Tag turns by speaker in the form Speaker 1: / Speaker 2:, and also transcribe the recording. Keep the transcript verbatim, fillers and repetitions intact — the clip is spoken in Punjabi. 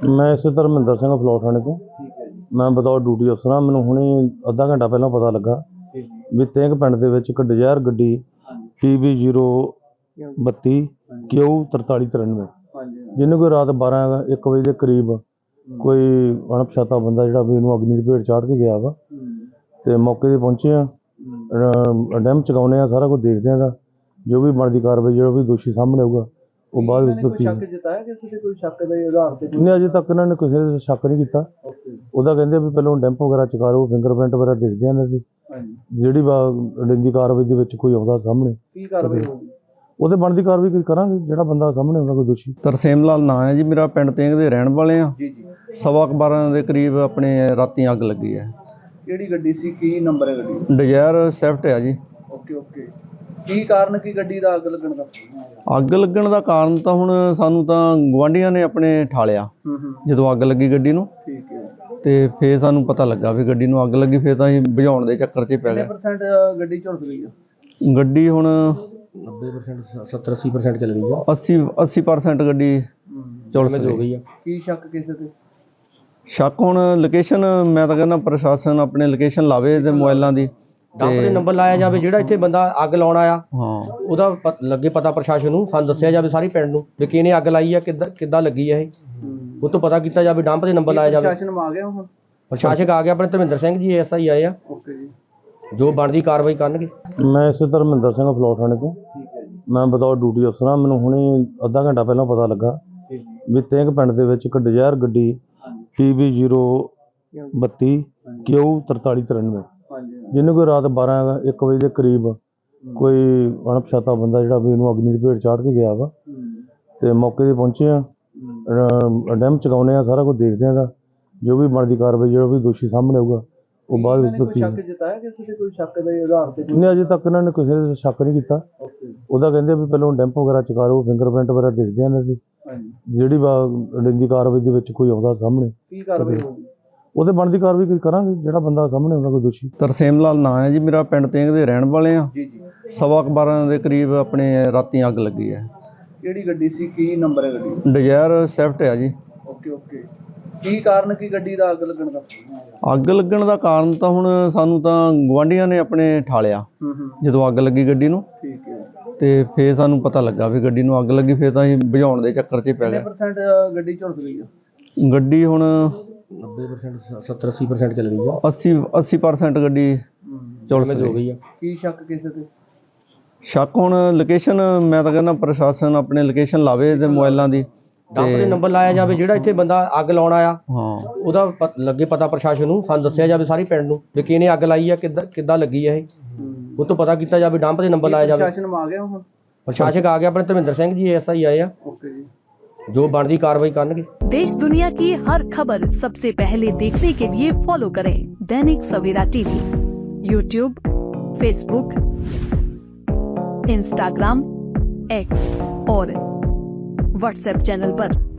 Speaker 1: मैं इसे धर्मिंदर सिंह फलौर थाने तो मैं बतौर ड्यूटी अफसर हाँ। मैनूं हुणे अद्धा घंटा पहला पता लगा भी तेंग पिंड दे विच एक डिजायर गड्डी पी बी जीरो बत्ती क्यू तरताली तिरानवे जिन्हें कोई रात बारह एक बजे के करीब कोई अणपछाता बंदा जिहड़ा भी इहनूं अग्नि दी भेट चाढ़ के गया वा ते मौके ते पहुंचे आ डैम चुकाउने आ सारा कुछ देखदे आ जो भी बनदी कार्रवाई जो भी दोषी सामने आऊगा ਉਹ ਬਾਅਦ ਵਿੱਚ
Speaker 2: ਕੋਈ ਸ਼ੱਕ ਜਤਾਇਆ ਕਿਸੇ ਤੇ ਕੋਈ ਸ਼ੱਕ ਦੇ ਆਧਾਰ ਤੇ
Speaker 1: ਨਹੀਂ ਅਜੇ ਤੱਕ ਇਹਨਾਂ ਨੇ ਕਿਸੇ ਤੇ ਸ਼ੱਕ ਨਹੀਂ ਕੀਤਾ। ਉਹਦਾ ਕਹਿੰਦੇ ਵੀ ਪਹਿਲਾਂ ਡੈਂਪ ਵਗੈਰਾ ਚੁਕਾ ਲਓ ਫਿੰਗਰਪ੍ਰਿੰਟ ਵਗੈਰਾ ਦੇਖਦੇ ਆਂ ਇਹਨਾਂ ਦੀ ਜਿਹੜੀ ਅੜਿੰਦੀ ਕਾਰਵਾਈ ਦੇ ਵਿੱਚ ਕੋਈ ਆਉਂਦਾ ਸਾਹਮਣੇ
Speaker 2: ਕੀ ਕਾਰਵਾਈ ਹੋਊਗੀ
Speaker 1: ਉਹਦੇ ਬਣਦੀ ਕਾਰਵਾਈ ਕਰਾਂਗੇ ਜਿਹੜਾ ਬੰਦਾ ਸਾਹਮਣੇ ਆਉਂਦਾ ਕੋਈ ਦੋਸ਼ੀ।
Speaker 3: ਤਰਸੇਮ ਲਾਲ ਨਾਂ ਹੈ ਜੀ ਮੇਰਾ, ਪਿੰਡ ਤੇਂਗ ਦੇ ਰਹਿਣ ਵਾਲੇ ਆ।
Speaker 2: ਜੀ ਜੀ
Speaker 3: ਸਵਾ ਕੁ ਬਾਰਾਂ ਦੇ ਕਰੀਬ ਆਪਣੇ ਰਾਤੀ ਅੱਗ ਲੱਗੀ ਹੈ।
Speaker 2: ਕਿਹੜੀ ਗੱਡੀ ਸੀ, ਕੀ ਨੰਬਰ ਹੈ ਗੱਡੀ?
Speaker 3: ਡਿਜ਼ਾਇਰ ਸਵਿਫਟ ਹੈ ਜੀ।
Speaker 2: ਓਕੇ ਓਕੇ ਕੀ ਕਾਰਨ ਕੀ ਗੱਡੀ ਦਾ ਅੱਗ ਲੱਗਣ ਦਾ?
Speaker 3: ਅੱਗ ਲੱਗਣ ਦਾ ਕਾਰਨ ਤਾਂ ਹੁਣ ਸਾਨੂੰ ਤਾਂ ਗੁਆਂਢੀਆਂ ਨੇ ਆਪਣੇ ਠਾਲਿਆ
Speaker 2: ਹੂੰ ਹੂੰ
Speaker 3: ਜਦੋਂ ਅੱਗ ਲੱਗੀ ਗੱਡੀ ਨੂੰ,
Speaker 2: ਠੀਕ ਹੈ।
Speaker 3: ਤੇ ਫਿਰ ਸਾਨੂੰ ਪਤਾ ਲੱਗਾ ਵੀ ਗੱਡੀ ਨੂੰ ਅੱਗ ਲੱਗੀ। ਫਿਰ ਤਾਂ ਅਸੀਂ ਬੁਝਾਉਣ ਦੇ ਚੱਕਰ 'ਚ ਹੀ ਪੈ
Speaker 2: ਕਿੰਨੇ
Speaker 3: ਗਏ।
Speaker 2: ਪਰਸੈਂਟ ਗੱਡੀ ਝੁਲਸ ਗਈ ਆ?
Speaker 3: ਗੱਡੀ ਹੁਣ
Speaker 1: ਨੱਬੇ ਪਰਸੈਂਟ ਸੱਤਰ ਅੱਸੀ ਪਰਸੈਂਟ ਚੱਲ ਗਈ ਆ।
Speaker 3: ਅੱਸੀ ਅੱਸੀ ਪਰਸੈਂਟ ਗੱਡੀ ਝੁਲਸ ਹੋ ਗਈ ਆ।
Speaker 2: ਕੀ ਸ਼ੱਕ ਕਿਸੇ ਤੇ?
Speaker 3: ਸ਼ੱਕ ਹੁਣ ਲੋਕੇਸ਼ਨ, ਮੈਂ ਤਾਂ ਕਹਿੰਦਾ ਪ੍ਰਸ਼ਾਸਨ ਆਪਣੇ ਲੋਕੇਸ਼ਨ ਲਾਵੇ ਤੇ ਮੋਬਾਈਲਾਂ ਦੀ
Speaker 4: ਡੰਪ ਦੇ ਨੰਬਰ ਲਾਇਆ ਜਾਵੇ ਜਿਹੜਾ ਇੱਥੇ ਬੰਦਾ ਅੱਗ ਲਾਉਣ ਆਇਆ
Speaker 3: ਹਾਂ
Speaker 4: ਉਹਦਾ ਲੱਗੇ ਪਤਾ ਪ੍ਰਸ਼ਾਸਨ ਨੂੰ, ਸਾਨੂੰ ਦੱਸਿਆ ਜਾਵੇ ਸਾਰੀ ਪਿੰਡ ਨੂੰ ਵੀ ਕਿਹਨੇ ਅੱਗ ਲਾਈ ਆ, ਕਿੱਦਾਂ ਕਿੱਦਾਂ ਲੱਗੀ ਆ ਇਹ, ਉਹ ਤੋਂ ਪਤਾ ਕੀਤਾ ਜਾਵੇ। ਡੰਪ ਦੇ ਨੰਬਰ ਲਾਇਆ ਜਾਵੇ।
Speaker 2: ਪ੍ਰਸ਼ਾਸਨ ਆ ਗਿਆ ਹੁਣ?
Speaker 4: ਪ੍ਰਸ਼ਾਸਕ ਆ ਗਿਆ, ਆਪਣੇ Dharmendra Singh G S I ਆਏ ਆ,
Speaker 2: ਓਕੇ ਜੀ।
Speaker 4: ਜੋ ਬਣਦੀ ਕਾਰਵਾਈ ਕਰਨਗੇ।
Speaker 1: ਮੈਂ ਇਸੇ ਧਰਮਿੰਦਰ ਸਿੰਘ ਫਲੌਰ ਥਾਣੇ ਤੋਂ
Speaker 2: ਠੀਕ ਹੈ ਜੀ।
Speaker 1: ਮੈਂ ਬਤੌਰ ਡਿਊਟੀ ਅਫਸਰ ਹਾਂ। ਮੈਨੂੰ ਹੁਣੇ ਅੱਧਾ ਘੰਟਾ ਪਹਿਲਾਂ ਪਤਾ ਲੱਗਾ ਵੀ ਤੇਂਗ ਪਿੰਡ ਦੇ ਵਿੱਚ ਇੱਕ ਡਿਜ਼ਾਇਰ ਗੱਡੀ ਪੀ ਬੀ ਜ਼ੀਰੋ ਬੱਤੀ ਕਿਊ ਤਰਤਾਲੀ ਤਿਰਾਨਵੇਂ ਜਿਹਨੂੰ ਕੋਈ ਰਾਤ ਬਾਰ੍ਹਾਂ ਇੱਕ ਵਜੇ ਦੇ ਕਰੀਬ ਕੋਈ ਅਣਪਛਾਤਾ ਬੰਦਾ ਜਿਹੜਾ ਵੀ ਇਹਨੂੰ ਅਗਨੀ ਦੀ ਭੇਟ ਚਾੜ ਕੇ ਗਿਆ ਵਾ ਤੇ ਮੌਕੇ ਤੇ ਪਹੁੰਚੇ ਆ ਡੈਮ ਚੁਕਾउने ਆ ਸਾਰਾ ਕੁਝ ਦੇਖਦੇ ਆ ਜੋ ਵੀ ਬਣਦੀ ਕਾਰਵਾਈ ਜਿਹੜਾ ਵੀ ਦੋਸ਼ੀ ਸਾਹਮਣੇ ਆਊਗਾ ਉਹ ਬਾਅਦ ਵਿੱਚ
Speaker 2: ਕੋਈ ਸ਼ੱਕ ਜਤਾਇਆ ਕਿਸੇ ਤੇ ਕੋਈ ਸ਼ੱਕ ਦੇ ਆਧਾਰ ਤੇ?
Speaker 1: ਨਹੀਂ ਅਜੇ ਤੱਕ ਇਹਨਾਂ ਨੇ ਕਿਸੇ ਤੇ ਸ਼ੱਕ ਨਹੀਂ ਕੀਤਾ। ਉਹਦਾ ਕਹਿੰਦੇ ਵੀ ਪਹਿਲਾਂ ਡੈਂਪ ਵਗੈਰਾ ਚੁਕਾ ਲਓ ਫਿੰਗਰਪ੍ਰਿੰਟ ਵਗੈਰਾ ਦੇਖਦੇ ਆ ਇਹਨਾਂ ਦੀ ਜਿਹੜੀ ਅੜਿੰਦੀ ਕਾਰਵਾਈ ਦੇ ਵਿੱਚ ਕੋਈ ਆਉਂਦਾ ਸਾਹਮਣੇ
Speaker 2: ਕੀ ਕਾਰਵਾਈ ਹੋਊਗੀ?
Speaker 1: ਉਹਦੇ ਬਣਦੀ ਕਾਰਵਾਈ ਕਰਾਂਗੇ ਜਿਹੜਾ ਬੰਦਾ ਸਾਹਮਣੇ ਆਉਂਦਾ ਕੋਈ ਦੋਸ਼ੀ।
Speaker 3: ਤਰਸੇਮ ਲਾਲ ਨਾਂ ਹੈ ਜੀ ਮੇਰਾ, ਪਿੰਡ ਤੇਂਗ ਦੇ ਰਹਿਣ ਵਾਲੇ ਆ।
Speaker 2: ਜੀ ਜੀ
Speaker 3: ਸਵਾ ਕੁ ਬਾਰਾਂ ਦੇ ਕਰੀਬ ਆਪਣੇ ਰਾਤੀ ਅੱਗ ਲੱਗੀ ਹੈ।
Speaker 2: ਕਿਹੜੀ ਗੱਡੀ ਸੀ, ਕੀ ਨੰਬਰ ਹੈ ਗੱਡੀ?
Speaker 3: ਡਿਜ਼ਾਇਰ ਸਵਿਫਟ ਹੈ ਜੀ।
Speaker 2: ਓਕੇ ਓਕੇ ਕੀ ਕਾਰਨ ਕੀ ਗੱਡੀ ਦਾ ਅੱਗ ਲੱਗਣ ਦਾ?
Speaker 3: ਅੱਗ ਲੱਗਣ ਦਾ ਕਾਰਨ ਤਾਂ ਹੁਣ ਸਾਨੂੰ ਤਾਂ ਗੁਆਂਢੀਆਂ ਨੇ ਆਪਣੇ ਠਾਲਿਆ
Speaker 2: ਹੂੰ ਹੂੰ
Speaker 3: ਜਦੋਂ ਅੱਗ ਲੱਗੀ ਗੱਡੀ ਨੂੰ,
Speaker 2: ਠੀਕ ਹੈ।
Speaker 3: ਤੇ ਫਿਰ ਸਾਨੂੰ ਪਤਾ ਲੱਗਾ ਵੀ ਗੱਡੀ ਨੂੰ ਅੱਗ ਲੱਗੀ। ਫਿਰ ਤਾਂ ਅਸੀਂ ਬੁਝਾਉਣ ਦੇ ਚੱਕਰ 'ਚ ਹੀ ਪੈ
Speaker 2: ਕਿੰਨੇ
Speaker 3: ਗਏ।
Speaker 2: ਪਰਸੈਂਟ ਗੱਡੀ ਝੁਲਸ ਗਈ ਆ?
Speaker 3: ਗੱਡੀ ਹੁਣ
Speaker 1: ਨੱਬੇ ਪਰਸੈਂਟ ਸੱਤਰ ਅੱਸੀ ਪਰਸੈਂਟ ਚੱਲ ਗਈ ਆ।
Speaker 3: ਅੱਸੀ ਅੱਸੀ ਪਰਸੈਂਟ ਗੱਡੀ ਝੁਲਸ ਹੋ ਗਈ ਆ।
Speaker 2: ਕੀ ਸ਼ੱਕ ਕਿਸੇ ਤੇ?
Speaker 3: ਸ਼ੱਕ ਹੁਣ ਲੋਕੇਸ਼ਨ, ਮੈਂ ਤਾਂ ਕਹਿੰਦਾ ਪ੍ਰਸ਼ਾਸਨ ਆਪਣੇ ਲੋਕੇਸ਼ਨ ਲਾਵੇ ਤੇ ਮੋਬਾਈਲਾਂ ਦੀ
Speaker 4: ਡੰਪ ਦੇ ਨੰਬਰ ਲਾਇਆ ਜਾਵੇ ਜਿਹੜਾ ਇੱਥੇ ਬੰਦਾ ਅੱਗ ਲਾਉਣ ਆਇਆ
Speaker 3: ਹਾਂ
Speaker 4: ਉਹਦਾ ਲੱਗੇ ਪਤਾ ਪ੍ਰਸ਼ਾਸਨ ਨੂੰ, ਸਾਨੂੰ ਦੱਸਿਆ ਜਾਵੇ ਸਾਰੀ ਪਿੰਡ ਨੂੰ ਵੀ ਕਿਹਨੇ ਅੱਗ ਲਾਈ ਆ, ਕਿੱਦਾਂ ਕਿੱਦਾਂ ਲੱਗੀ ਆ ਇਹ, ਉਹ ਤੋਂ ਪਤਾ ਕੀਤਾ ਜਾਵੇ। ਡੰਪ ਦੇ ਨੰਬਰ ਲਾਇਆ ਜਾਵੇ।
Speaker 2: ਪ੍ਰਸ਼ਾਸਨ ਆ ਗਿਆ ਹੁਣ?
Speaker 4: ਪ੍ਰਸ਼ਾਸਕ ਆ ਗਿਆ, ਆਪਣੇ Dharmendra Singh G S I ਆਏ ਆ,
Speaker 2: ਓਕੇ ਜੀ।
Speaker 4: ਜੋ ਬਣਦੀ ਕਾਰਵਾਈ ਕਰਨਗੇ।
Speaker 5: देश दुनिया की हर खबर सबसे पहले देखने के लिए फॉलो करें Dainik Savera TV, YouTube, Facebook, Instagram, X और व्हाट्सएप चैनल पर।